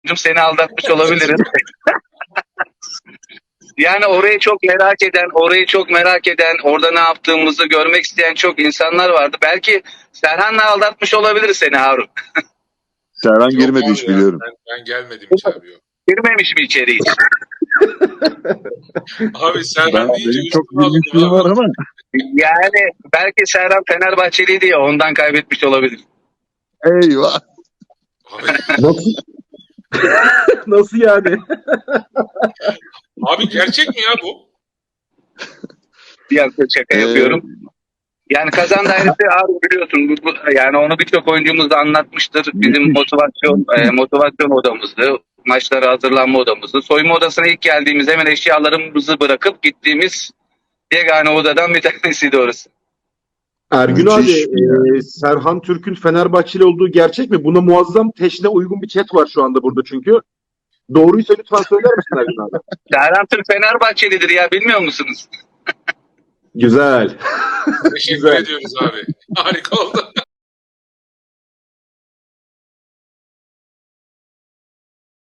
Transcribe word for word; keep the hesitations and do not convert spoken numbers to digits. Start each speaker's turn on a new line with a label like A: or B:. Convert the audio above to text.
A: seni aldatmış olabilirim. Yani orayı çok merak eden, orayı çok merak eden, orada ne yaptığımızı görmek isteyen çok insanlar vardı. Belki Serhan'la aldatmış olabilir seni Harun.
B: Serhan
C: Yok
B: girmedi
C: abi
B: hiç
C: ya,
B: biliyorum.
C: Ben, ben gelmedim hiç abi yok.
A: Girmemiş mi içeri hiç?
C: Abi
B: Ben,
C: Serhan deyince
B: benim çok
C: üstüme alındım
B: girmişliğim
C: abi.
B: var ama
A: Yani belki Serhan Fenerbahçeliydi ya ondan kaybetmiş olabilir.
B: eyvah.
C: Abi,
D: Nasıl? Nasıl yani?
C: abi gerçek mi ya bu?
A: Bir yaklaşık şaka
B: Ee,
A: yapıyorum. Yani kazan dairesi Harun biliyorsun. Bu- bu- Yani onu birçok oyuncumuz da anlatmıştır. Bizim
B: Müthiş.
A: motivasyon e, motivasyon odamızdı. Maçlara hazırlanma odamızdı. Soyunma odasına ilk geldiğimiz hemen eşyalarımızı bırakıp gittiğimiz yegane odadan bir tanesiydi orası.
D: Ergün
B: Müthiş
D: abi,
B: ya.
D: e, Serhan Türk'ün Fenerbahçeli olduğu gerçek mi? Buna muazzam teşne uygun bir chat var şu anda burada çünkü. Doğruysa lütfen söyler misin Ergün abi?
A: Serhan Türk Fenerbahçelidir ya bilmiyor musunuz?
D: Güzel.
C: Teşekkür
D: Güzel.
C: ediyoruz abi. Harika oldu.